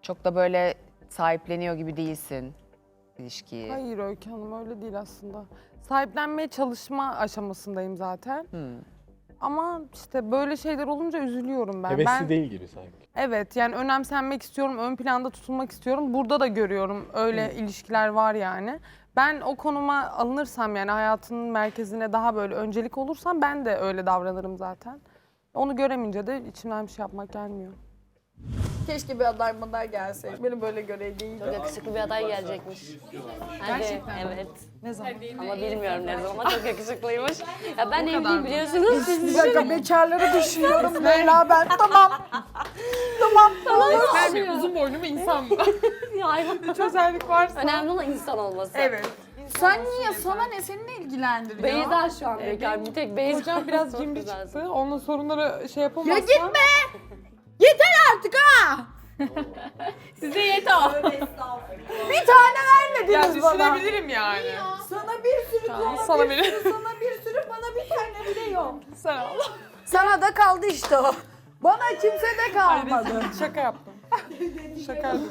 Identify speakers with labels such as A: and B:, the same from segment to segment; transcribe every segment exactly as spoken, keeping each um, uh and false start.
A: Çok da böyle sahipleniyor gibi değilsin ilişkiyi.
B: Hayır Öykü Hanım öyle değil aslında. Sahiplenmeye çalışma aşamasındayım zaten.
A: Hmm.
B: Ama işte böyle şeyler olunca üzülüyorum ben.
C: Hevesli
B: ben,
C: değil gibi sanki.
B: Evet yani önemsenmek istiyorum, ön planda tutulmak istiyorum. Burada da görüyorum öyle ilişkiler var yani. Ben o konuma alınırsam yani hayatının merkezine daha böyle öncelik olursam ben de öyle davranırım zaten. Onu göremeyince de içimden bir şey yapmak gelmiyor.
D: Keşke bir aday madar gelseydi. Beni böyle görev değil.
E: Çok yakışıklı bir aday gelecekmiş. Gerçekten evet.
B: Ne zaman?
E: Ama bilmiyorum ne zaman ama çok yakışıklıymış. Ya ben evliyim biliyorsunuz. Siz
D: Bir dakika bekarları düşünüyorum Leyla ben. Tamam. Tamam.
B: Ben bir uzun boylu bir insan mı?
E: hayvan.
B: Hiç özellik varsa.
E: Önemli olan insan olması.
B: Evet.
D: Sen niye? Sana ne? Seni ne ilgilendiriyor?
E: Beyza şu an bekar. Bir tek Beyza.
B: Hocam biraz
E: Çok
B: cimri
E: güzelsin.
B: çıktı. Onunla sorunları şey yapamazsam.
D: Ya gitme! Yeter artık ha!
E: Size yeter.
D: Bir tane
B: Ya
D: vermediniz bana.
B: düşünebilirim yani.
D: Sana bir sürü konu,
B: Sana
D: bir
B: bile.
D: sürü, sana bir sürü, bana bir tane bile yok.
B: Sen al.
D: Sana da kaldı işte o. Bana kimse de kalmadı.
B: Şaka yaptım. Şaka yaptım.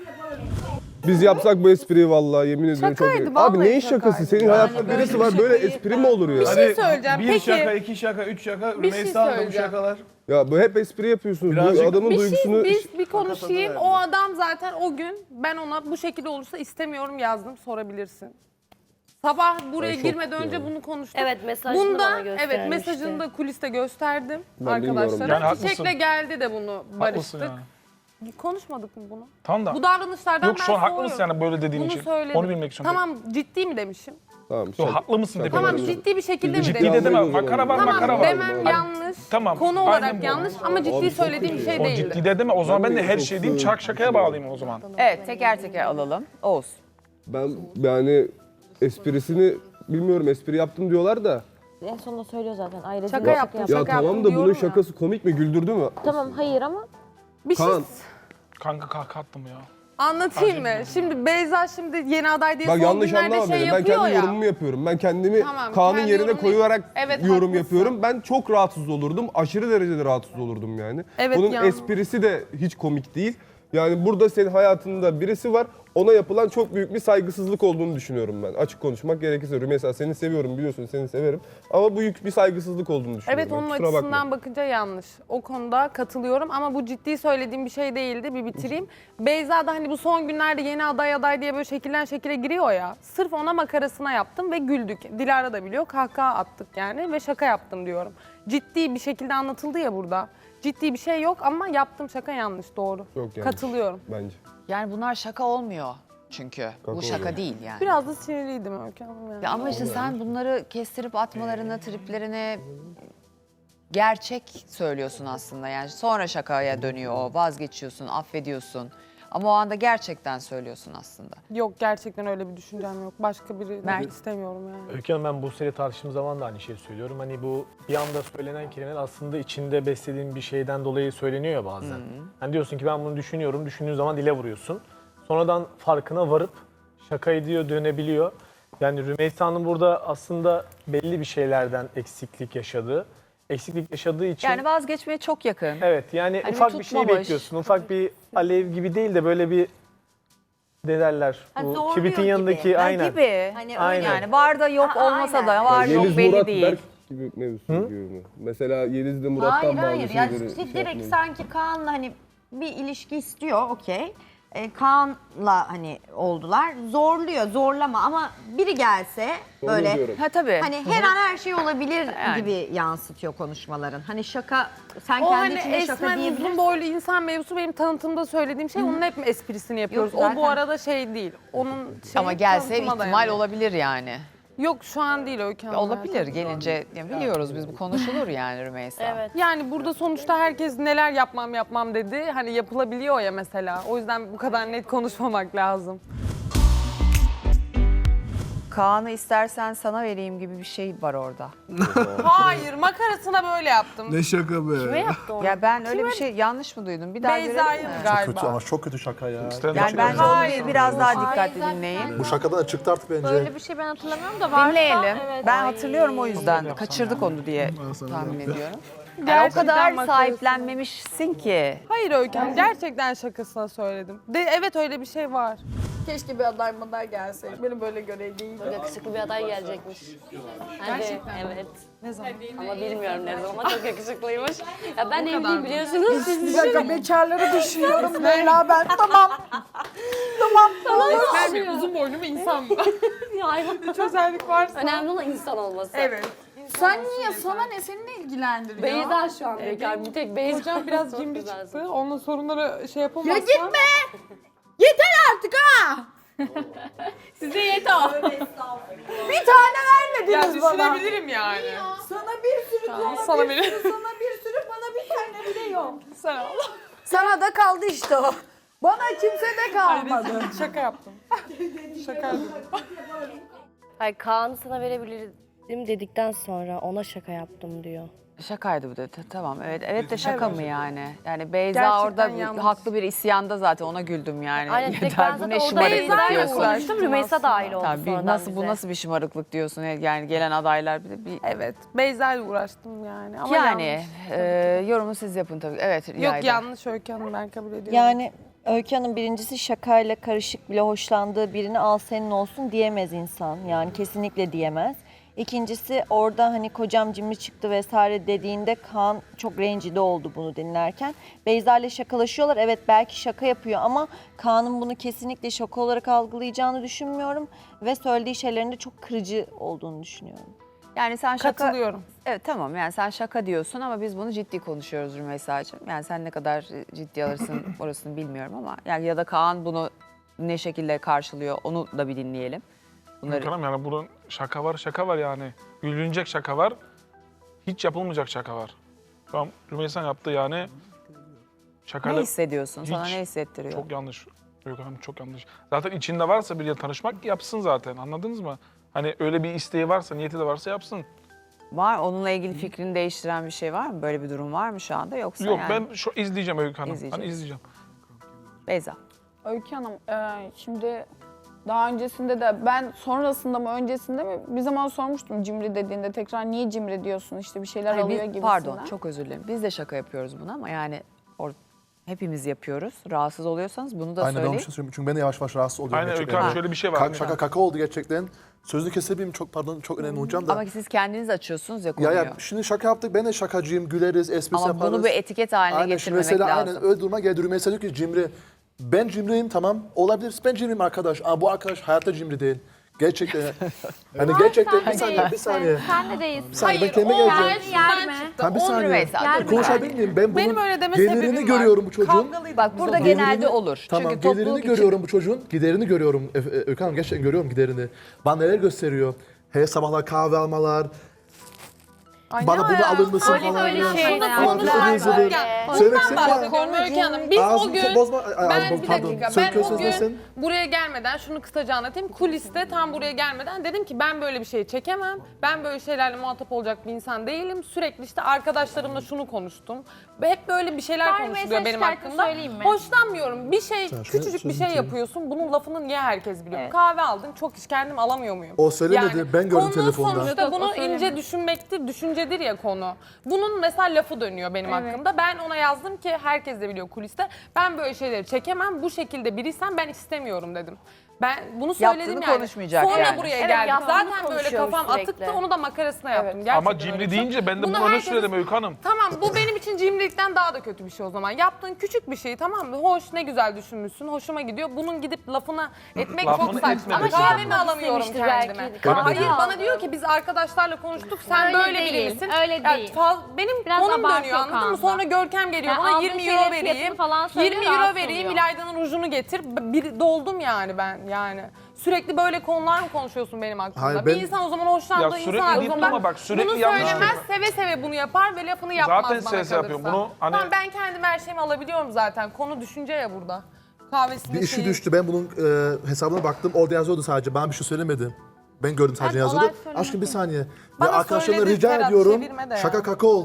F: Biz yapsak bu espriyi vallahi yemin ediyorum çok
B: Şakaydı,
F: iyi. Abi
B: vallahi
F: neyin şakası?
B: şakaydı.
F: Senin hayatta birisi var böyle espri mi olur ya?
B: Bir şey söyleyeceğim.
G: Bir
B: Peki.
G: şaka, iki şaka, üç şaka,
B: Bir şey
G: Rümeysa Hanım da bu
B: söyleyeceğim.
G: şakalar.
F: Ya bu hep espri yapıyorsunuz. Bu
G: Birazcık-
F: adamın
B: Bir
F: duygusunu...
B: şey, biz bir konuşayım. O adam zaten o gün ben ona bu şekilde olursa istemiyorum yazdım. Sorabilirsin. Sabah buraya
F: Ay, çok
B: girmeden önce
F: yani.
B: bunu konuştuk.
E: Evet mesajını
B: Bunda
E: bana göstermişti.
B: evet mesajını da kuliste gösterdim
F: Ben bilmiyorum.
B: arkadaşlara.
G: Yani haklısın.
B: Çiçek'le geldi de bunu
G: Haklısın
B: barıştık.
G: yani.
B: Konuşmadık mı bunu?
G: Tamam da.
B: Bu davranışlardan
G: Yok
B: ben
G: şu an haklı
B: soğuyorum.
G: mısın yani böyle dediğin
B: Bunu
G: için?
B: söyledim.
G: Onu bilmek için.
B: Tamam ciddi mi demişim?
F: Tamam.
G: Yok
F: şaka-
G: haklı mısın
F: şaka
G: demek.
B: Tamam
F: yapıyorum.
B: ciddi bir şekilde mi
G: Ciddi
B: demişim?
G: de deme.
F: Yapmayın o
G: Makara var,
F: zaman.
G: makara
B: Tamam
G: var.
B: demem
F: Hadi.
B: yanlış.
G: Tamam,
B: Konu
G: aynen
B: olarak
G: bu.
B: yanlış ama ciddi
F: Abi çok
B: söylediğim bir
F: iyi
B: şey
F: ya.
G: O
B: değildi.
G: ciddi de deme. O zaman ben de her
F: çok
G: şey diyeyim.
F: sığ-
G: Çak şakaya bağlayayım o zaman.
A: Evet teker teker alalım. Oğuz.
F: Ben yani esprisini bilmiyorum espri yaptım diyorlar da.
H: En sonunda söylüyor zaten. Ailesi
B: Şaka
H: de
B: yaptım,
F: Ya
B: şaka
F: tamam
B: yaptım
F: da bunun
B: diyorum ya.
F: şakası komik mi güldürdü mü?
H: Tamam hayır ama
B: Bir şey
F: Kaan.
G: Kanka kahkaha attım ya.
B: anlatayım mı? Şimdi Beyza şimdi yeni aday diye
F: Bak
B: son
F: yanlış
B: günlerde
F: anlama
B: şey
F: beni. Ben
B: yapıyor
F: kendi
B: ya.
F: yorumumu yapıyorum. Ben kendimi
B: Tamam,
F: Kaan'ın
B: kendi
F: yerine
B: yorumunu-
F: koyarak
B: Evet,
F: yorum
B: haklısın.
F: yapıyorum. Ben çok rahatsız olurdum. Aşırı derecede rahatsız olurdum yani.
B: Evet,
F: Bunun
B: yani.
F: esprisi de hiç komik değil. Yani burada senin hayatında birisi var. Ona yapılan çok büyük bir saygısızlık olduğunu düşünüyorum ben. Açık konuşmak gerekirse. Rümeysa seni seviyorum biliyorsun seni severim. Ama bu büyük bir saygısızlık olduğunu düşünüyorum.
B: Evet
F: ben.
B: onun
F: Kusura
B: açısından
F: bakma.
B: bakınca yanlış. O konuda katılıyorum ama bu ciddi söylediğim bir şey değildi. Bir bitireyim. Beyza da hani bu son günlerde yeni aday aday diye böyle şekillen şekile giriyor ya. Sırf ona makarasına yaptım ve güldük. Dilara da biliyor. Kahkaha attık yani ve şaka yaptım diyorum. Ciddi bir şekilde anlatıldı ya burada. Ciddi bir şey yok ama yaptığım şaka yanlış doğru.
F: Çok yanlış.
B: Katılıyorum.
F: Bence.
A: Yani bunlar şaka olmuyor çünkü. Bu şaka
F: olmuyor.
A: değil yani.
B: Biraz da sinirliydim Öykü Hanım yani.
A: Ya ama işte sen bunları kestirip atmalarını, triplerini gerçek söylüyorsun aslında. Yani sonra şakaya dönüyor o, vazgeçiyorsun, affediyorsun. Ama o anda gerçekten söylüyorsun aslında.
B: Yok gerçekten öyle bir düşüncem yok. Başka biri
A: Mert.
B: istemiyorum yani.
C: Öykü Hanım ben Buse'yle tartıştığım zaman da aynı şeyi söylüyorum. Hani bu bir anda söylenen kelimeler aslında içinde beslediğin bir şeyden dolayı söyleniyor ya bazen. Hani diyorsun ki ben bunu düşünüyorum, düşündüğün zaman dile vuruyorsun. Sonradan farkına varıp şaka ediyor, dönebiliyor. Yani Rümeysa'nın burada aslında belli bir şeylerden eksiklik yaşadığı, eksiklik yaşadığı için...
A: Yani vazgeçmeye çok yakın.
C: Evet yani
A: Hani
C: ufak
A: bir
C: bir şey
A: tutmamış.
C: bekliyorsun. Ufak bir alev gibi değil de böyle bir ne derler?
H: Ha,
C: Bu
H: zorluyor
C: kibritin
H: gibi.
C: yanındaki
A: Ha,
C: aynen.
A: gibi.
H: Hani öyle.
C: Aynen.
A: Yani var da yok
H: Aa,
A: olmasa da
H: aynen.
A: var yok
F: Yeliz
A: belli
F: Murat
A: değil.
F: Berk gibi mevzusu gibi mi? Mesela Yeliz'de Murat'tan
I: Hayır
F: bazı
I: hayır. Yani
F: şeyleri şey
I: direkt
F: yapmayın.
I: sanki Kaan'la hani bir ilişki istiyor okey. Ee, Kaan'la hani oldular. Zorluyor, zorlama ama biri gelse
F: Onu
I: böyle
F: diyorum.
A: Ha tabii.
I: hani her an her şey olabilir
A: Yani.
I: gibi yansıtıyor konuşmaların. Hani şaka sen
B: O
I: kendi
B: hani
I: içinde şaka
B: esmer uzun
I: diyebilirsin.
B: boylu insan mevzusu benim tanıtımda söylediğim şey. Onun hep esprisini yapıyoruz.
I: Yok,
B: O
I: zaten-
B: bu arada şey değil. Onun şey
A: Ama gelse
B: tanıtıma
A: ihtimal
B: dayanıyor.
A: olabilir yani.
B: Yok şu an değil Öykü Hanım.
A: Olabilir gelince ya biliyoruz biz bu konuşulur yani Rümeysa.
E: Evet.
B: Yani burada sonuçta herkes neler yapmam yapmam dedi. Hani yapılabiliyor ya mesela. O yüzden bu kadar net konuşmamak lazım.
A: Kaan'ı istersen sana vereyim gibi bir şey var orada.
B: Hayır makarasına böyle yaptım.
G: Ne şaka be.
E: Ne yaptı onu?
A: Ya ben öyle bir şey yanlış mı duydum? Bir daha
B: Beyza'yı
A: görelim mi?
B: galiba.
J: Kötü ama çok kötü şaka ya.
A: Yani bence onu biraz daha dikkatli dinleyin.
J: Bu şakadan da çıktı artık bence.
E: Böyle bir şey ben hatırlamıyorum da varsa
A: Dinleyelim.
E: evet.
A: Ben
E: Ay.
A: hatırlıyorum o yüzden. Kaçırdık onu diye tahmin ediyorum. Yani o
B: Gerçekten
A: kadar
B: makarasına.
A: sahiplenmemişsin ki.
B: Hayır Öykü Hanım, gerçekten şakasına söyledim. De, evet öyle bir şey var.
D: Keşke bir aday maday gelseydi. Beni böyle göreydi.
E: Yakışıklı bir aday gelecekmiş. Hadi, evet. Ne zaman? Ama bilmiyorum ne zaman ama çok yakışıklıymış. Ya ben evliyim biliyorsunuz. Siz
D: Bir dakika bekarları düşünüyorum Leyla ben. Tamam.
B: Ben bir uzun boylu bir insan mı?
E: Ya, hayvan.
B: Hiç özellik varsa.
E: Önemli olan insan olması.
D: Evet. Sen niye? Sana ne? Seni ne ilgilendiriyor?
E: Beyza şu an bekar. Bir tek Beyza.
B: Hocam biraz
E: Çok
B: cimri
E: güzelsin.
B: çıktı. Onunla sorunları şey yapamazsam.
D: Ya gitme! Yeter artık ha!
E: Size yeter.
D: Bir tane
B: Ya
D: vermediniz bana.
B: düşünebilirim yani.
D: Sana bir sürü
B: Tamam,
D: konu,
B: sana
D: bir
B: biri-
D: sürü, sana bir sürü, bana bir tane bile yok.
B: Sen al.
D: Sana da kaldı işte o. Bana kimse de kalmadı.
B: Şaka yaptım. Şaka yaptım.
K: Hayır, Kaan'ı sana verebilirim dedikten sonra ona şaka yaptım diyor.
A: Şakaydı bu da. T- Tamam evet. Evet de şaka mı yani? Yani Beyza
B: Gerçekten
A: orada
B: yanlış.
A: haklı bir isyanda zaten ona güldüm yani.
K: Aynen, tek ben
A: Yeter bu
K: zaten
A: ne
K: orada
A: şımarıklık
K: Beyza'yla
A: diyorsun.
K: konuştum. Rümeysa dahil oldu
A: Tabii
K: sonradan
A: nasıl
K: bize.
A: bu nasıl bir şımarıklık diyorsun yani gelen adaylar bir de bir
B: Evet. Beyza ile uğraştım yani. Ama
A: yani
B: yanlış.
A: e, yorumu siz yapın tabii. Evet.
B: Yok
A: Yayda.
B: yanlış Öykü Hanım, ben kabul ediyorum.
H: Yani Öykü Hanım birincisi şakayla karışık bile hoşlandığı birini al senin olsun diyemez insan. Yani kesinlikle diyemez. İkincisi orada hani kocam cimri çıktı vesaire dediğinde Kaan çok rencide oldu bunu dinlerken. Beyza ile şakalaşıyorlar. Evet belki şaka yapıyor ama Kaan'ın bunu kesinlikle şaka olarak algılayacağını düşünmüyorum. Ve söylediği şeylerin de çok kırıcı olduğunu düşünüyorum.
A: Yani sen şaka...
B: Katılıyorum.
A: Evet tamam yani sen şaka diyorsun ama biz bunu ciddi konuşuyoruz Rümeysa'cığım. Yani sen ne kadar ciddi alırsın orasını bilmiyorum ama yani ya da Kaan bunu ne şekilde karşılıyor onu da bir dinleyelim. Bunları
G: Bakalım yani bunun şaka var, şaka var yani. Gülünecek şaka var, hiç yapılmayacak şaka var. Şu an Rümeysa yaptı yani
A: ne
G: şakayla
A: hissediyorsun? Sana
G: hiç-
A: ne hissettiriyor?
G: çok yanlış. Yok hanım çok yanlış. Zaten içinde varsa biriyle tanışmak yapsın zaten, anladınız mı? Hani öyle bir isteği varsa, niyeti de varsa yapsın.
A: Var onunla ilgili fikrini değiştiren bir şey var mı? Böyle bir durum var mı şu anda yoksa
G: Yok
A: yani?
G: ben şu izleyeceğim Öykü Hanım.
A: İzleyeceksin.
G: Hani izleyeceğim.
A: Beyza.
L: Öykü Hanım, e, şimdi daha öncesinde de ben sonrasında mı öncesinde mi bir zaman sormuştum cimri dediğinde tekrar niye cimri diyorsun işte bir şeyler
A: Hayır, biz-
L: alıyor gibisinden.
A: pardon çok özür dilerim. Biz de şaka yapıyoruz bunu ama yani or- hepimiz yapıyoruz. Rahatsız oluyorsanız bunu da
J: Aynen ben
A: söyleyin.
J: bir şey söyleyeyim. Çünkü ben de yavaş yavaş rahatsız oluyorum.
G: Aynen Öykü
J: gerçekten.
G: Hanım şöyle bir şey var.
J: Ka- şaka kaka oldu gerçekten. Sözünü kesebileyim çok pardon çok önemli hocam da.
A: Ama siz kendiniz açıyorsunuz ya
J: ya
A: konuyu.
J: ya şimdi şaka yaptık ben de şakacıyım güleriz espri
A: Ama
J: yaparız.
A: bunu bir etiket haline
J: Aynen, şimdi
A: getirmemek
J: mesela
A: lazım.
J: aynen öyle duruma geldi. Rümeysa diyor ki cimri. Ben cimriyim tamam olabilir. Ben cimriyim arkadaş. Ama bu arkadaş hayatta cimri değil. Gerçekten. hani gerçekten bir saniye bir saniye.
K: Sen de değilsin.
J: Bir saniye ben kendime geleceğim.
B: Yerme.
J: Tamam bir
A: On
J: saniye.
A: Rümeysa, dur bir
J: Konuşabilir miyim? Ben bunun
B: Benim öyle deme
J: gelirini
B: sebebim var.
J: görüyorum bu çocuğun.
A: Bak burada
J: Gelirini-
A: genelde olur.
J: Tamam
A: Çünkü
J: gelirini
A: topluluk için
J: görüyorum bu çocuğun. Giderini görüyorum. Ö- Ö- Öykü Hanım gerçekten görüyorum giderini. Bana neler gösteriyor. Her sabahlar kahve almalar.
B: Ay,
J: Bana
B: ne
J: bunu
B: alaka?
J: alır mısın
K: Öyle
J: falan.
K: böyle
J: ya.
K: şeyler.
B: Bunu
J: Falan
B: konuşalım.
J: hızlıdır.
B: Ya,
J: Söylemek
B: bundan
J: istediğim
B: bahsediyorum Öykü Hanım. Biz o
J: Ağzını
B: gün,
J: bozma. Ay,
B: ben
J: ay,
B: bir
J: pardon.
B: dakika,
J: Söyle,
B: ben o
J: söz
B: gün
J: nesin?
B: buraya gelmeden şunu kısaca anlatayım. Kuliste tam buraya gelmeden dedim ki ben böyle bir şey çekemem. Ben böyle şeylerle muhatap olacak bir insan değilim. Sürekli işte arkadaşlarımla şunu konuştum. Ve hep böyle bir şeyler
K: Ben
B: konuşuluyor
K: mesaj
B: benim
K: şarkı
B: hakkımda.
K: söyleyeyim mi?
B: Hoşlanmıyorum. Bir şey,
J: Sen şöyle
B: küçücük bir
J: sözünü
B: şey
J: söyle.
B: yapıyorsun. Bunun lafını niye herkes biliyor?
K: Evet.
B: Kahve aldın. Çok iş kendim alamıyor muyum?
J: O söylemedi, ben gördüm
B: konu
J: telefonda.
B: sonuçta
K: Yok, o
B: bunu
K: söylemedi.
B: ince düşünmektir, düşüncedir ya konu. Bunun mesela lafı dönüyor benim hakkımda. Ben ona yazdım ki herkes de biliyor kuliste. Ben böyle şeyleri çekemem. Bu şekilde biriysem ben istemiyorum dedim. Ben bunu söyledim
A: Yaptığını
B: yani.
A: konuşmayacak
B: Sonra
A: yani.
B: buraya
K: Evet,
B: geldik.
K: yaptığını
B: Zaten böyle
K: konuşuyoruz
B: kafam
K: sürekli.
B: atıktı. Onu da makarasına yaptım. Gerçekten
G: Ama
B: öyle bir
G: cimri
B: şey.
G: deyince ben de
B: Bunu
G: bunu öyle
B: herkesin-
G: söyledim Öykü Hanım.
B: Tamam bu benim için cimrilikten daha da kötü bir şey o zaman. Yaptığın küçük bir şey tamam mı? Hoş ne güzel düşünmüşsün. Hoşuma gidiyor. Bunun gidip lafına etmek
G: Lafını
B: çok saçma.
G: etmemek
B: Ama
G: lazım.
B: kahvemi alamıyorum
K: istemiştir
B: kendime.
K: belki.
J: Kahve
B: Hayır
K: aldım.
B: bana diyor ki biz arkadaşlarla konuştuk. Sen
K: Öyle
B: böyle
K: değil,
B: biri misin?
K: öyle
B: Ya
K: değil.
B: fal- benim
K: Biraz
B: konum
K: abartıyor
B: dönüyor anladın mı?
K: Kaan'da.
B: Sonra Görkem geliyor
K: Yani
B: bana
K: aldığı
B: yirmi
K: şeylerin
B: euro
K: fiyatını
B: vereyim.
K: falan söylüyor,
B: yirmi euro
K: rahatsız
B: vereyim.
K: oluyor.
B: İlayda'nın rujunu getir. Bir doldum yani ben yani. Sürekli böyle konular mı konuşuyorsun benim hakkımda?
J: Hayır,
B: Bir
J: ben-
B: insan o zaman hoşlandığı
G: Ya
B: insan
G: sürekli deyip
B: hakkında
G: durma bak, sürekli
B: bunu
G: yanlış
B: söylemez
G: söylüyor.
B: seve seve bunu yapar ve lafını yapmaz
G: Zaten
B: bana
G: seve seve yapıyor.
B: kalırsa.
G: Bunu hani-
B: Tamam ben kendim her şeyimi alabiliyorum zaten. Konu düşünce ya burada. Kahvesinde
J: Bir işi
B: şeyi-
J: düştü. Ben bunun e, hesabına baktım. Orada yazıyordu sadece. Bana bir şey söylemedi. Ben gördüm sadece
K: Ben
J: yazıyordu.
K: olay söylemek
J: Aşkım bir saniye.
B: Bana
J: Ve arkadaşlarımla
B: söyledi
J: rica
B: Ferhat,
J: ediyorum.
B: çevirme de
J: Şaka
B: ya.
J: kaka oldu.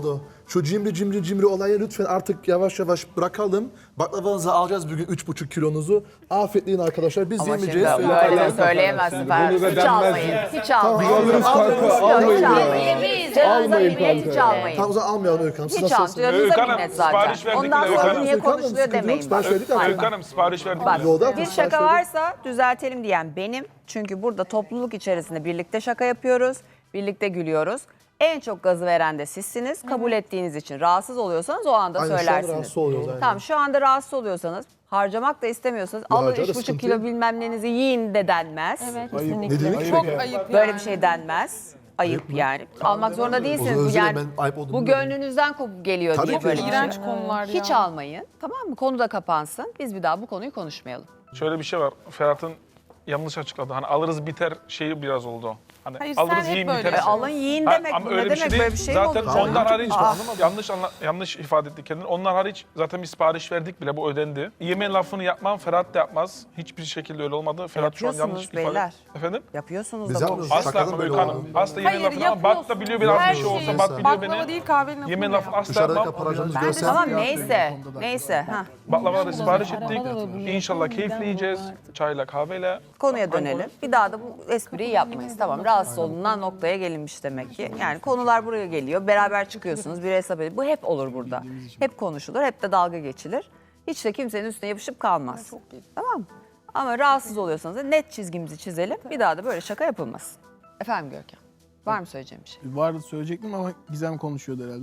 J: Şu cimri cimri cimri olayı lütfen artık yavaş yavaş bırakalım. Baklavanızı alacağız bugün üç buçuk kilonuzu. Afiyetleyin arkadaşlar. Biz
A: Ama şimdi
J: yemeyeceğiz.
A: böyle de
J: Söyle-
A: söyleyemezsin. Ben.
F: Bunu da
A: Hiç
F: denmez.
A: almayın. Hiç almayın.
F: Alırız kanka, almayın ya.
A: Yemeyiz.
F: Almayın
A: Hiç
F: kanka.
A: almayın.
J: Tamam o zaman almayalım Öykü Hanım. Siz
A: Hiç
J: nasılsınız?
A: almayın.
G: Öykü
A: Canınıza
G: Hanım,
A: minnet zaten.
G: sipariş verdik
A: Ondan
G: bile, Öykü
A: sonra
G: Hanım.
A: niye
J: Öykü Hanım,
A: konuşuluyor
J: sıkıntı yok.
A: demeyin.
J: Sipariş
A: bak.
J: verdik ama-
A: Hayır.
G: Öykü Hanım sipariş verdik.
A: Bak,
J: Yolda
A: bir
J: sipariş
A: şaka
J: verdik.
A: varsa düzeltelim diyen benim. Çünkü burada topluluk içerisinde birlikte şaka yapıyoruz, birlikte gülüyoruz. En çok gazı veren de sizsiniz. Kabul ettiğiniz için rahatsız oluyorsanız o anda
J: Aynen, şu anda
A: söylersiniz.
J: rahatsız oluyoruz, aynen.
A: Tamam, şu anda rahatsız oluyorsanız, harcamak da istemiyorsanız alın
J: harcarız,
A: üç buçuk
J: sıkıntı
A: kilo
J: yok.
A: bilmem nenizi yiyin de denmez.
H: Evet,
J: Ayıp.
H: kesinlikle.
J: Ne demek?
B: Çok ayıp yani.
A: Böyle bir şey denmez. Ayıp yani. Almak zorunda değilsiniz.
J: O
A: Bu
J: zaman
A: yani
J: ben ayıp olduğunu
A: bu
J: bilmiyorum.
A: gönlünüzden kopup geliyor
J: Tabii
A: diye
J: ki.
A: böyle bir şey.
B: İğrenç konular ya.
A: Hiç almayın. Tamam mı? Konu da kapansın. Biz bir daha bu konuyu konuşmayalım.
G: Şöyle bir şey var. Ferhat'ın yanlış açıkladı. Hani alırız biter şeyi biraz oldu. Hani
B: Hayır, sen
G: alırız
B: hep
G: yiyin
B: böyle
G: biter.
A: E,
B: şey.
A: alın yiyin
G: Ha,
A: demek
G: ama
A: bu.
G: öyle
A: Ne
G: bir şey
A: demek
G: değil.
A: böyle bir şey mi
G: Zaten
A: olur?
G: onlar hariç
A: Aa.
G: yanlış anla, yanlış ifade etti kendini. Onlar hariç zaten bir sipariş verdik bile, bu ödendi. Yemeğin lafını yapmam, Ferhat da yapmaz. Hiçbir şekilde öyle olmadı. Ferhat şu an yanlış
A: Yapıyorsunuz
G: ifade.
A: beyler.
G: Efendim?
A: Yapıyorsunuz
J: Biz
A: da
J: yapmıyoruz.
A: konuşuyorsunuz.
G: Asla
J: Şakadan
G: mı
J: böyle
G: Öykü Hanım?
J: oldu.
G: Asla yemeğin
B: Hayır,
G: lafını ama Bat da
B: yapıyorsun.
G: biliyor biraz
B: Her
G: bir şey olsa
B: şeyi.
G: Bat biliyor
B: Baklava
G: beni.
B: değil, kahvenin lafını
G: Yemeğin
B: da
G: lafını
B: yap.
G: asla
J: Dışarıda
G: yapmam.
J: kaparacağımız
A: Ben de
J: görsel.
A: tamam neyse. Neyse. Ha.
G: Baklavaları sipariş ettik. İnşallah keyifli yiyeceğiz. Çayla, kahveyle.
A: Konuya dönelim. Bir daha da bu espriyi yapmayız. Tamam, rahatsız olunan noktaya gelinmiş demek ki. Yani konular buraya geliyor. Beraber çıkıyorsunuz. Bir hesap edin. Bu hep olur burada. Hep konuşulur. Hep de dalga geçilir. Hiç de kimsenin üstüne yapışıp kalmaz. Tamam mı? Ama rahatsız oluyorsanız da net çizgimizi çizelim. Bir daha da böyle şaka yapılmasın. Efendim Görkem. Var mı söyleyeceğim bir şey?
M: Vardı söyleyecektim ama Gizem konuşuyordu herhalde.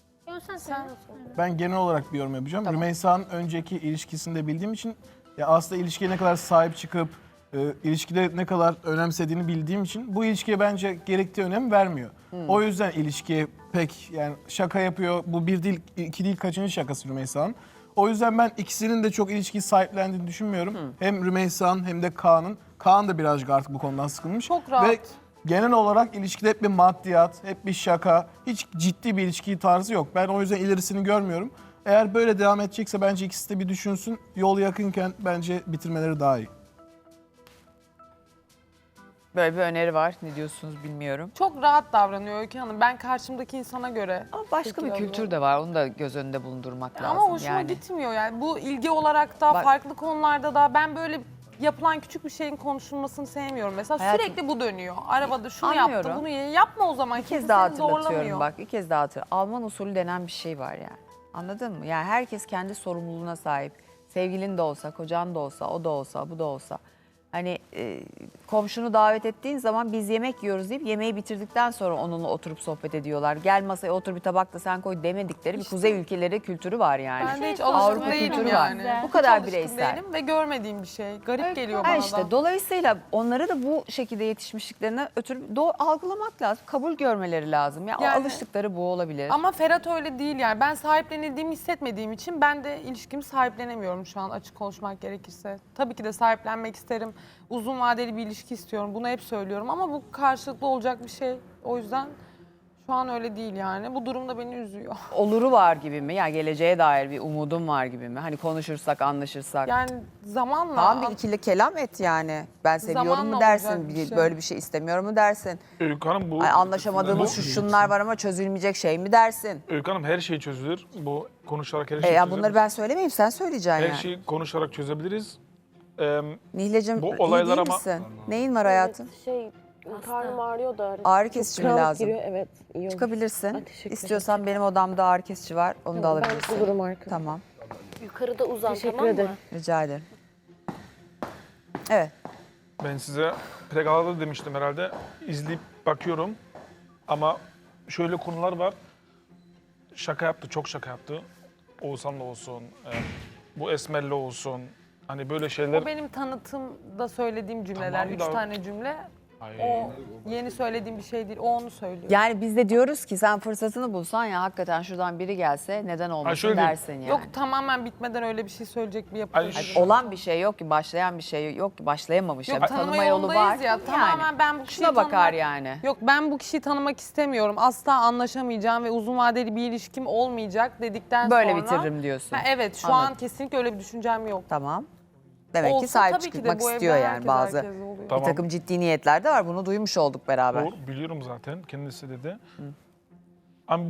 M: Ben genel olarak bir yorum yapacağım. Rümeysa'nın önceki ilişkisini de bildiğim için ya aslında ilişkiye ne kadar sahip çıkıp e, ilişkide ne kadar önemsediğini bildiğim için bu ilişkiye bence gerektiği önem vermiyor. O yüzden ilişkiye pek yani şaka yapıyor. Bu bir değil, iki değil kaçıncı şakası Rümeysa'nın. O yüzden ben ikisinin de çok ilişkiyi sahiplendiğini düşünmüyorum. Hem Rümeysa'nın hem de Kaan'ın. Kaan da birazcık artık bu konudan sıkılmış.
B: Çok rahat.
M: Ve genel olarak ilişkide hep bir maddiyat, hep bir şaka, hiç ciddi bir ilişki tarzı yok. Ben o yüzden ilerisini görmüyorum. Eğer böyle devam edecekse bence ikisi de bir düşünsün. Yol yakınken bence bitirmeleri daha iyi.
A: Böyle bir öneri var. Ne diyorsunuz bilmiyorum.
B: Çok rahat davranıyor Öykü Hanım. Ben karşımdaki insana göre.
A: Ama başka bir kültür de var. Onu da göz önünde bulundurmak lazım.
B: Ama hoşuma
A: yani.
B: gitmiyor yani. Bu ilgi olarak da
A: Bak-
B: farklı konularda da ben böyle yapılan küçük bir şeyin konuşulmasını sevmiyorum. Mesela
A: Hayatım-
B: sürekli bu dönüyor. Arabada şunu
A: Anlıyorum.
B: yaptı, bunu ye. Yapma o zaman.
A: Bir
B: Kimse
A: kez daha
B: seni
A: hatırlatıyorum
B: zorlamıyor.
A: bak. Bir kez daha hatırlatıyorum. Alman usulü denen bir şey var yani. Anladın mı? Yani herkes kendi sorumluluğuna sahip. Sevgilin de olsa, kocan da olsa, o da olsa, bu da olsa. Hani e, komşunu davet ettiğin zaman biz yemek yiyoruz deyip yemeği bitirdikten sonra onunla oturup sohbet ediyorlar. Gel masaya otur bir tabak da sen koy demedikleri bir kuzey ülkeleri kültürü var yani.
B: Ben de hiç
A: Avrupa
B: alışkın değilim
A: kültürü
B: yani.
A: var. Bu
B: Hiç
A: kadar
B: alışkın
A: bireysel.
B: değilim ve görmediğim bir şey. Garip geliyor
A: Ha
B: bana
A: işte
B: da.
A: dolayısıyla onları da bu şekilde yetişmişliklerine ötürü do- algılamak lazım. Kabul görmeleri lazım. Ya o
B: Yani-
A: alıştıkları bu olabilir.
B: Ama Ferhat öyle değil yani. Ben sahiplenildiğimi hissetmediğim için ben de ilişkimi sahiplenemiyorum şu an açık konuşmak gerekirse. Tabii ki de sahiplenmek isterim. Uzun vadeli bir ilişki istiyorum. Bunu hep söylüyorum ama bu karşılıklı olacak bir şey. O yüzden şu an öyle değil yani. Bu durum da beni üzüyor.
A: Oluru var gibi mi? Yani geleceğe dair bir umudum var gibi mi? Hani konuşursak, anlaşırsak.
B: Yani zamanla...
A: Tamam bir ikili kelam et yani. Ben seviyorum
B: Zamanla
A: mu dersin,
B: olacak bir
A: bir-
B: şey.
A: böyle bir şey istemiyorum mu dersin.
G: Öykü Hanım bu...
A: Ay, anlaşamadığımız şu şunlar var ama çözülmeyecek şey mi dersin.
G: Öykü Hanım her şey çözülür. Bu konuşarak her
A: E
G: şey
A: ya
G: çözülür.
A: bunları ben söylemeyeyim sen söyleyeceksin
G: Her
A: yani.
G: şeyi konuşarak çözebiliriz. Ee,
A: Nihlecim
G: Bu
A: iyi
G: olaylar
A: değil
G: ama-
A: misin? Neyin var hayatım?
K: Şey, karnım ağrıyor da.
A: Ağrı kesici mi
K: Kramp
A: lazım?
K: giriyor, evet. iyi olur.
A: Çıkabilirsin.
K: Ha, teşekkür
A: İstiyorsan benim odamda ağrı kesici var. Onu da
K: Tamam, ben
A: alabilirsin.
K: bulurum arkada.
A: Tamam.
K: Yukarıda uzan,
E: Teşekkür
K: tamam
E: ederim.
K: mı?
A: Rica ederim. Evet.
G: Ben size Pregala'da demiştim herhalde. İzleyip bakıyorum. Ama şöyle konular var. Şaka yaptı, çok şaka yaptı. Oğuzhan'la olsun, e, bu Esmer'le olsun. Hani böyle şeyler...
B: O benim tanıtımda söylediğim cümleler.
G: Tamam
B: Üç
G: da-
B: tane cümle.
G: Ay.
B: O yeni söylediğim bir şey değil. O onu söylüyor.
A: Yani biz de diyoruz ki sen fırsatını bulsan ya hakikaten şuradan biri gelse neden olmasın
G: şöyle diyeyim.
A: dersin yani.
B: Yok tamamen bitmeden öyle bir şey söyleyecek bir yapı.
G: Ay,
B: değil.
G: şu-
A: Olan bir şey yok ki, başlayan bir şey yok ki, başlayamamış.
B: Yok
A: ya. Bir
B: tanıma,
A: tanıma yolu
B: yolundayız
A: var.
B: ya. Tamamen ben bu kişiyi
A: Şuna bakar
B: tanımak-
A: yani.
B: Yok ben bu kişiyi tanımak istemiyorum. Asla anlaşamayacağım ve uzun vadeli bir ilişkim olmayacak dedikten
A: Böyle
B: sonra.
A: bitiririm diyorsun.
B: Ha, evet şu
A: Anladım.
B: an kesinlikle öyle bir düşüncem yok.
A: Tamam. Demek
B: Olsa
A: ki sahip
B: tabii ki de
A: çıkmak
B: bu evde
A: istiyor yani
B: herkes
A: bazı.
B: herkese oluyor.
A: Bir
G: Tamam.
A: takım ciddi niyetler de var. Bunu duymuş olduk beraber.
G: Doğru, biliyorum zaten. Kendisi dedi. Ama bu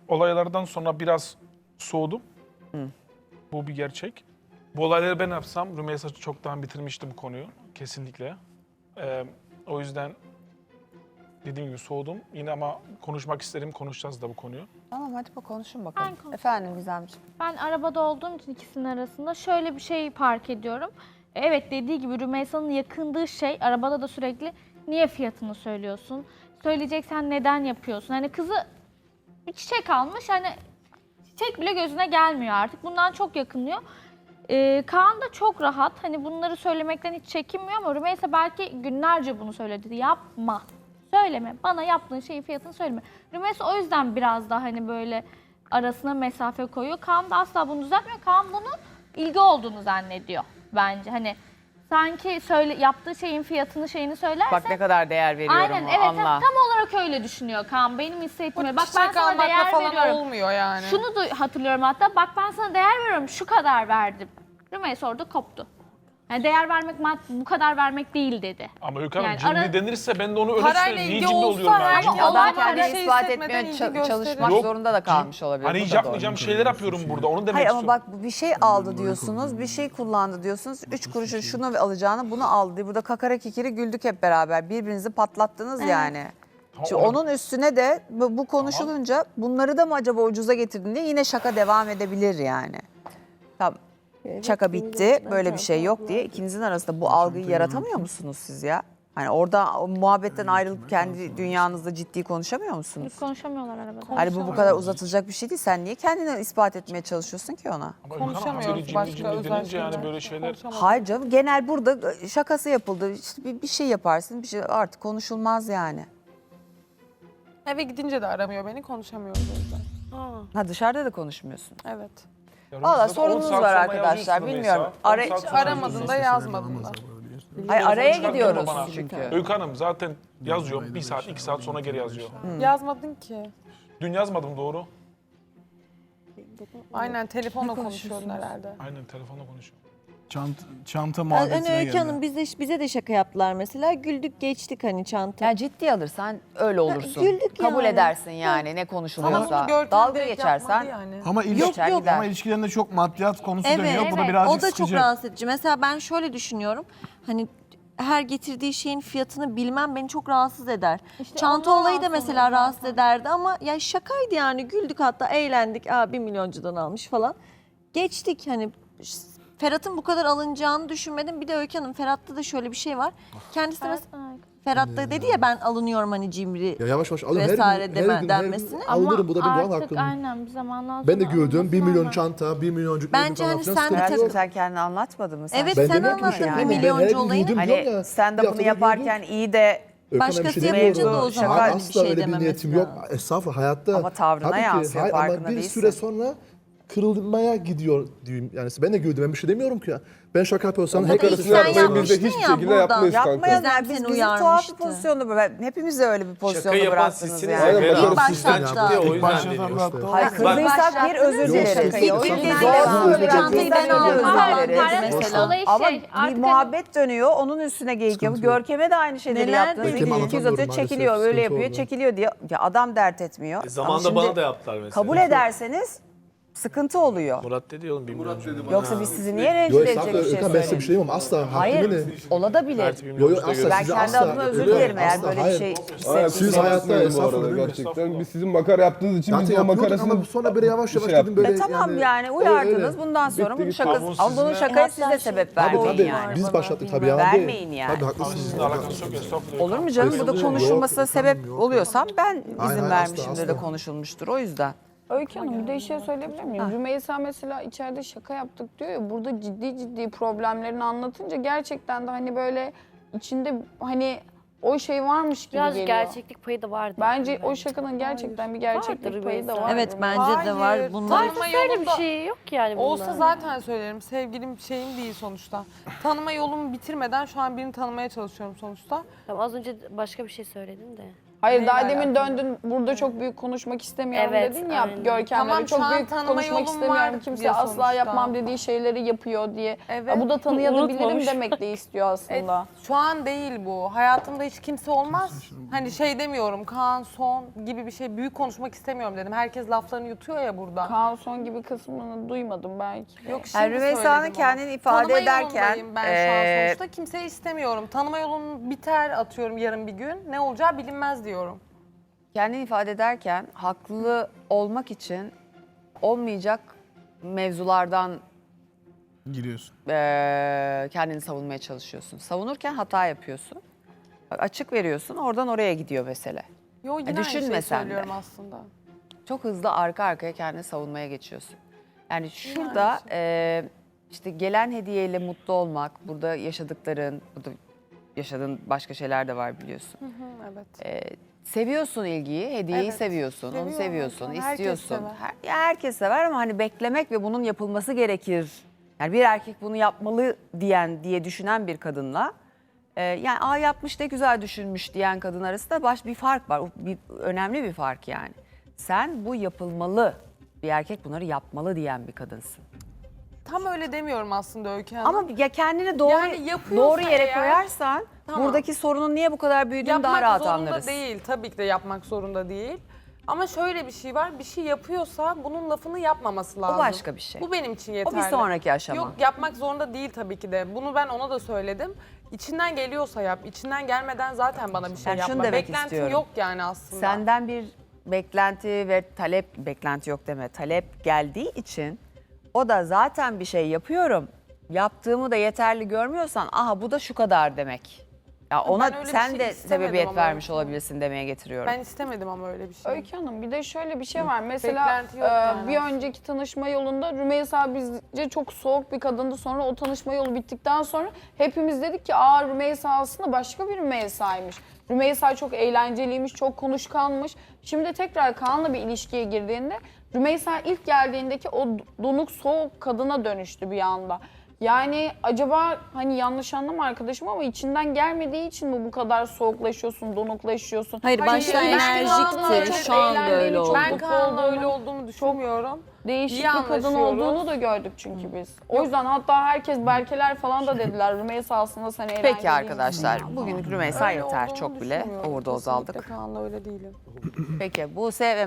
G: olaylardan sonra biraz soğudum. Bu bir gerçek. Bu olayları ben yapsam Rümeysa çoktan bitirmişti bu konuyu kesinlikle. Ee, o yüzden dediğim gibi soğudum. Yine ama konuşmak isterim, konuşacağız da bu konuyu.
A: Tamam hadi bak konuşun bakalım.
N: Ben konuşayım.
A: Efendim Gizemciğim.
N: Ben arabada olduğum için ikisinin arasında şöyle bir şey fark ediyorum. Evet dediği gibi Rümeysa'nın yakındığı şey arabada da sürekli niye fiyatını söylüyorsun? Söyleyeceksen neden yapıyorsun? Hani kızı bir çiçek almış hani çiçek bile gözüne gelmiyor artık. Bundan çok yakınıyor. Ee, Kaan da çok rahat. Hani bunları söylemekten hiç çekinmiyor ama Rümeysa belki günlerce bunu söyledi. Yapma. Söyleme. Bana yaptığın şeyin fiyatını söyleme. Rümeysa o yüzden biraz daha hani böyle arasına mesafe koyuyor. Kaan da asla bunu düzeltmiyor. Kaan bunu ilgi olduğunu zannediyor bence. Hani sanki söyle yaptığı şeyin fiyatını şeyini söylerse.
A: Bak ne kadar değer veriyorum
N: Aynen evet
A: anla.
N: tam olarak öyle düşünüyor Kaan. Benim hissettiğim. Bak ben
B: Çiçek
N: sana
B: almakla
N: değer
B: falan
N: veriyorum.
B: olmuyor yani.
N: Şunu da hatırlıyorum hatta. Bak ben sana değer veriyorum. Şu kadar verdim. Rümeysa orada koptu. Yani değer vermek bu kadar vermek değil dedi.
G: Ama Öykü Hanım
N: Yani
G: cimri
N: ara-
G: denirse ben de onu öyle
B: Parayla
G: söylüyorum. Niye
B: ilgi
G: cimri
B: olsa
G: oluyorum yani?
B: herkes-
G: Cimri-
N: Ama
A: Adam
N: olay
A: kendini
N: var.
A: ispat
B: hissetmeden
A: etmeye
B: ilgi
A: ça-
B: gösterir.
A: çalışmak
G: Yok.
A: zorunda da kalmış olabilir.
G: Hani
A: Bu
G: hiç
A: da doğru.
G: yapmayacağım şeyler yapıyorum burada. Onu demek
A: Hayır ama
G: istiyorum.
A: bak bir şey aldı diyorsunuz, bir şey kullandı diyorsunuz. Üç kuruşun şunu alacağını bunu aldı diye. Burada kakara kikiri güldük hep beraber. Birbirinizi patlattınız yani. Şimdi
G: Tamam,
A: onun üstüne de bu bu konuşulunca bunları da mı acaba ucuza getirdin diye yine şaka devam edebilir yani. Tamam. Şaka bitti, böyle bir şey yok diye ikinizin arasında bu algıyı yaratamıyor musunuz siz ya? Hani orada o muhabbetten ayrılıp kendi dünyanızda ciddi konuşamıyor musunuz?
N: Konuşamıyorlar arabada.
A: Hani bu bu kadar uzatılacak bir şey değil. Sen niye kendini ispat etmeye çalışıyorsun ki ona?
G: Ama Öykü Hanım
B: Konuşamıyoruz
G: haberi cimri
B: başka
G: cimri
B: özel
G: denince yani
B: şeyler.
G: böyle şeyler.
A: Hayır canım genel burada şakası yapıldı. İşte bir, bir şey yaparsın bir şey artık konuşulmaz yani.
B: Eve gidince de aramıyor beni, konuşamıyoruz o yüzden.
A: Ha dışarıda da konuşmuyorsun.
B: Evet.
G: Ya
A: Valla
G: Rümeysa zaten on
A: sorunuz
G: saat
A: var
G: sonra
A: arkadaşlar
G: yazıyorsun
A: bilmiyorum.
G: Rümeysa.
A: Ara,
G: on saat sonra
B: Aramadın da yazmadın da.
A: hayır, araya
G: Çıkartma
A: gidiyoruz
G: bana.
A: çünkü.
G: Öykü Hanım zaten yazıyor. Bir saat, iki saat sonra geri yazıyor.
B: Yazmadın ki.
G: Dün yazmadım doğru.
B: Aynen telefonla konuşuyordun herhalde.
G: Aynen telefonla konuşuyorum.
M: Çanta, çanta
H: Hani
M: muhabbetine
H: Öykü
M: geldi.
H: Hanım biz de, bize de şaka yaptılar mesela. Güldük geçtik hani çanta.
A: Ya ciddi alırsan öyle olursun.
H: güldük
A: Kabul
H: yani.
A: edersin yani ne
B: Ama
A: konuşuluyorsa.
B: bunu Görkem
A: Dalga
B: direkt
A: geçersen
B: yapmadı yani.
M: Ama
A: Yok,
M: ilişki,
A: yok, gider.
M: ama ilişkilerinde çok maddiyat konusu
H: Evet,
M: dönüyor. Bu da
N: evet.
M: birazcık
H: O da
M: sıkıcı.
H: çok rahatsız edici. Mesela ben şöyle düşünüyorum. Hani her getirdiği şeyin fiyatını bilmem beni çok rahatsız eder. Çanta
N: ondan
H: olayı da
N: rahatsız
H: mesela
N: oluyor
H: rahatsız ederdi ama ya şakaydı yani güldük hatta eğlendik. Aa bir milyoncudan almış falan. Geçtik hani Ferhat'ın bu kadar alınacağını düşünmedim. Bir de Öykü Hanım Ferhat'ta da şöyle bir şey var. Kendisi de mes- Ferhat da dedi ya ben alınıyorum hani cimri.
J: Ya yavaş yavaş alın her,
H: Vesaire
J: gün,
H: deme-
J: her gün, her gün
H: denmesini.
J: alırım bu da benim doğal
N: artık
J: hakkım.
N: aynen bir zamandan
J: Ben de
N: sonra
J: gördüm bir
N: alınması
J: milyon
N: normal.
J: çanta, bir milyoncuk
H: Bence
J: falan
H: hani
J: filan,
H: sen de
J: sıkıntı
H: tabii-
A: Hayatım
J: yok.
A: sen kendini anlatmadın mı sen?
H: Evet,
A: şimdi?
J: Ben
H: sen
J: demek ki
H: anlattın
J: şey
H: bir
J: yapamam. Ben her
H: milyoncu
J: gün
H: olayını.
J: gördüm diyorum
A: Hani
J: ya.
A: sen
J: bir
A: de
J: haftada
A: bunu
J: gördüm.
A: yaparken iyi de
J: Öykü Hanım,
H: Başkası
J: bir şey
H: yapınca
J: demiyorum.
H: da o zaman
J: Hayır,
H: bir
J: asla
H: şey
J: öyle bir
H: dememesi
J: niyetim yok.
H: lazım.
J: Estağfurullah hayatta.
A: Ama tavrına
J: Tabii ki,
A: yansıyor,
J: hayır,
A: farkında
J: ama bir
A: değilsin.
J: süre sonra kırılmaya gidiyor diyeyim. Yani ben de gördüm ben bir şey demiyorum ki ya. Ben şaka yapıyorsam
H: Ama
J: hacker
H: ilk
F: Arkasını
H: sen
F: yapmayın biz de
H: yapmıştın
F: hiçbir
H: ya
F: şekilde
H: buradan.
F: yapmayız kanka.
A: yapmayalım
H: Gizem
A: yani biz,
H: seni
A: bizi tuhaf bir
H: uyarmıştı.
A: pozisyonda bırak. Hepimiz de öyle bir pozisyonda
O: yapan
A: bıraktınız
O: sizsiniz.
A: yani.
F: Aynen,
O: Şakayı
F: bakarız
O: yapan
H: sizden
O: sizden
H: ya.
O: çıktı, o
M: İlk
O: yüzden
M: başlatan
O: dedi.
M: hatta o.
A: Hayır kızdıysak bir özür dileriz.
J: Yok,
H: İlk
J: Sizden
H: günden
A: Zor
H: beri
J: özür dilerim.
H: çantayı ben
A: Sizden
H: aldım
A: özür
H: falan
A: dileriz.
H: dedi mesela.
N: Olayı
A: Ama
N: şey,
A: bir
N: artık
A: muhabbet dönüyor, onun üstüne geyik yapıyor. Görkem'e de aynı şeyleri
H: Neler
A: yaptınız.
H: dedi?
A: İki
J: Görkem
A: iki yüz atıyor,
J: anlatamıyorum
A: çekiliyor,
J: maalesef,
A: öyle
J: sıkıntı
A: yapıyor,
J: oldu.
A: çekiliyor diye. Ya adam dert etmiyor.
O: E, zamanında
A: Ama şimdi
O: bana da yaptılar mesela.
A: kabul ederseniz sıkıntı oluyor.
O: Murat dedi oğlum bir milyoncu.
A: Yoksa biz sizi niye
J: Yok
A: rencide edecek
J: estağfurullah
A: bir şey
J: Öykü Hanım, ben size bir
A: söyleyeyim?
J: şey diyemem asla.
A: Hayır,
J: Hakkımı ne?
A: olabilir.
J: Yo yo asla
A: Ben
J: size
A: kendi
J: asla.
A: adıma özür
J: Öyle,
A: dilerim eğer
J: asla,
A: böyle bir
J: hayır.
A: şey
F: Aynen,
A: hissettiyseniz.
J: Siz
F: kusura
J: hayatta
F: bakmayın bu
J: estağfurullah,
F: arada
J: değil mi?
F: gerçekten. Biz sizin makara yaptığınız için
J: Zaten
F: biz de o
J: yapıyorduk
F: makarasını
J: ama sonra böyle yavaş
F: bir
J: yavaş
F: şey
J: dedim böyle
A: E tamam yani uyardınız. Bundan sonra
F: Bitti
A: bunun
F: gitti.
A: şakası.
G: Ama
A: Ama bunun
G: sizinle-
A: şakaya siz de sebep
J: Tabii
A: vermeyin
J: tabii
A: yani.
J: biz başlattık tabii
A: Bilmem.
J: yalan değil.
A: Vermeyin yani.
J: Tabii haklısınız.
G: Sizinle alakası yok estağfurullah.
A: Olur mu canım? Bu da
J: Yok,
A: konuşulmasına
J: yok,
A: sebep
J: yok.
A: oluyorsam ben izin
J: Hayır, hayır,
A: vermişimdir
J: asla,
A: de
J: asla.
A: konuşulmuştur. O yüzden.
L: Öykü Hanım bir de şey söyleyebilir miyim? Rümeysa mesela içeride şaka yaptık diyor ya, burada ciddi ciddi problemlerini anlatınca gerçekten de hani böyle içinde hani o şey varmış gibi
K: Biraz
L: geliyor.
K: gerçeklik payı da vardı.
L: Bence o şakanın gerçekten bir gerçeklik
K: Vardır
L: payı da
K: Rümeysa.
L: var.
H: Evet bence de var.
B: Hayır,
H: Bunlar
B: tanıma
L: Öyle bir
B: yolunda
K: şey yok yani bunda.
B: olsa zaten söylerim. Sevgilim şeyim değil sonuçta. Tanıma yolumu bitirmeden şu an birini tanımaya çalışıyorum sonuçta.
K: Tamam, az önce başka bir şey söyledin de.
L: Hayır
A: Neyle
L: daha demin
A: alakalı?
L: döndün burada çok büyük konuşmak istemiyorum
K: Evet,
L: dedin ya
K: aynen.
L: Görkem'le
B: Tamam,
L: bir çok
B: şu an
L: büyük
B: tanıma
L: konuşmak
B: yolum
L: istemiyorum.
B: var
L: Kimse
B: diyor
L: asla
B: sonuçta.
L: yapmam dediği şeyleri yapıyor diye.
B: Evet.
L: Ya bu da tanıyabilirim
K: Unutmamış.
L: demek de istiyor aslında.
B: E, şu an değil bu. Hayatımda hiç kimse olmaz. Hani şey demiyorum, Kaan son gibi bir şey, büyük konuşmak istemiyorum dedim. Herkes laflarını yutuyor ya burada.
L: Kaan son gibi kısmını duymadım belki.
B: Yok şimdi
A: Yani Rümeysa'nın
B: söyledim onu.
A: kendini ifade
B: Tanıma
A: ederken,
B: yolundayım ben şu an
A: eee,
B: sonuçta. Kimseyi istemiyorum. Tanıma yolun biter atıyorum yarın bir gün. Ne olacağı bilinmez diyorum.
A: Kendini ifade ederken haklı olmak için olmayacak mevzulardan
M: Giriyorsun.
A: eee, kendini savunmaya çalışıyorsun. Savunurken hata yapıyorsun. Bak, açık veriyorsun, oradan oraya gidiyor mesele.
B: Yo yine
A: E,
B: aynı
A: düşünme
B: şeyi
A: sen de.
B: söylüyorum aslında.
A: Çok hızlı arka arkaya kendini savunmaya geçiyorsun. Yani şurada eee, işte gelen hediyeyle mutlu olmak, burada yaşadıkların, burada yaşadığın başka şeyler de var biliyorsun.
B: Hı hı, evet.
A: Eee, seviyorsun ilgiyi, hediyeyi
B: Evet,
A: seviyorsun, onu
B: seviyorum
A: seviyorsun,
B: zaten. Herkes
A: istiyorsun.
B: sever.
A: Her, ya herkes sever ama hani beklemek ve bunun yapılması gerekir. Yani bir erkek bunu yapmalı diyen diye düşünen bir kadınla e, yani aa yapmış ne güzel düşünmüş diyen kadın arasında baş bir fark var. O bir önemli bir fark yani. Sen bu yapılmalı, bir erkek bunları yapmalı diyen bir kadınsın.
B: Tam öyle demiyorum aslında Öykü Hanım.
A: Ama ya kendini doğru
B: Yani yapıyorsa
A: doğru yere
B: eğer-
A: koyarsan
B: Tamam.
A: buradaki sorunun niye bu kadar büyüdüğünü
B: yapmak
A: daha rahat
B: zorunda
A: anlarız.
B: değil. Tabii ki de yapmak zorunda değil. Ama şöyle bir şey var. Bir şey yapıyorsa bunun lafını yapmaması lazım.
A: başka bir şey.
B: Bu benim için
A: O
B: yeterli.
A: bir sonraki aşama.
B: Yok yapmak zorunda değil tabii ki de. Bunu ben ona da söyledim. İçinden geliyorsa yap. İçinden gelmeden zaten bana bir şey
A: Yani şunu
B: yapma.
A: demek
B: Beklentim
A: istiyorum.
B: yok yani aslında.
A: Senden bir beklenti ve talep, beklenti yok deme, talep geldiği için o da zaten bir şey yapıyorum, yaptığımı da yeterli görmüyorsan aha bu da şu kadar demek. Ya
B: Ben
A: ona
B: öyle bir
A: sen
B: şey
A: de
B: istemedim
A: sebebiyet
B: ama.
A: vermiş olabilirsin demeye getiriyorum.
B: Ben istemedim ama öyle bir şey.
L: Öykü Hanım bir de şöyle bir şey var. Mesela
B: Beklenti yok
L: e,
B: yani.
L: bir önceki tanışma yolunda Rümeysa bizce çok soğuk bir kadındı. Sonra o tanışma yolu bittikten sonra hepimiz dedik ki aa Rümeysa aslında başka bir Rümeysa'ymış. Rümeysa çok eğlenceliymiş, çok konuşkanmış. Şimdi tekrar Kaan'la bir ilişkiye girdiğinde Rümeysa ilk geldiğindeki o donuk soğuk kadına dönüştü bir anda. Yani acaba hani yanlış anlama arkadaşım ama içinden gelmediği için mi bu kadar soğuklaşıyorsun, donuklaşıyorsun?
H: Hayır,
L: Hani
H: başta
L: ben
H: enerjikti,
L: Kaan'la çok
H: şu anda
L: eğlendiğini,
H: öyle
L: çok
H: oldu.
B: Ben
L: mutlu
B: Kaan'la
L: olduğunu,
B: öyle olduğumu düşünmüyorum.
L: değişik
B: İyi
L: bir kadın
B: anlaşıyoruz.
L: olduğunu da gördük çünkü biz. O yüzden hatta herkes Berkeler falan da dediler Rümeysa aslında sen eğlenceli
A: Peki arkadaşlar, bugün Rümeysa
B: Öyle
A: yeter
B: olduğunu
A: çok bile
B: düşünmüyorum.
A: overdose
B: Kesinlikle
A: aldık.
B: Kaan'la öyle değilim.
A: Peki Buse ve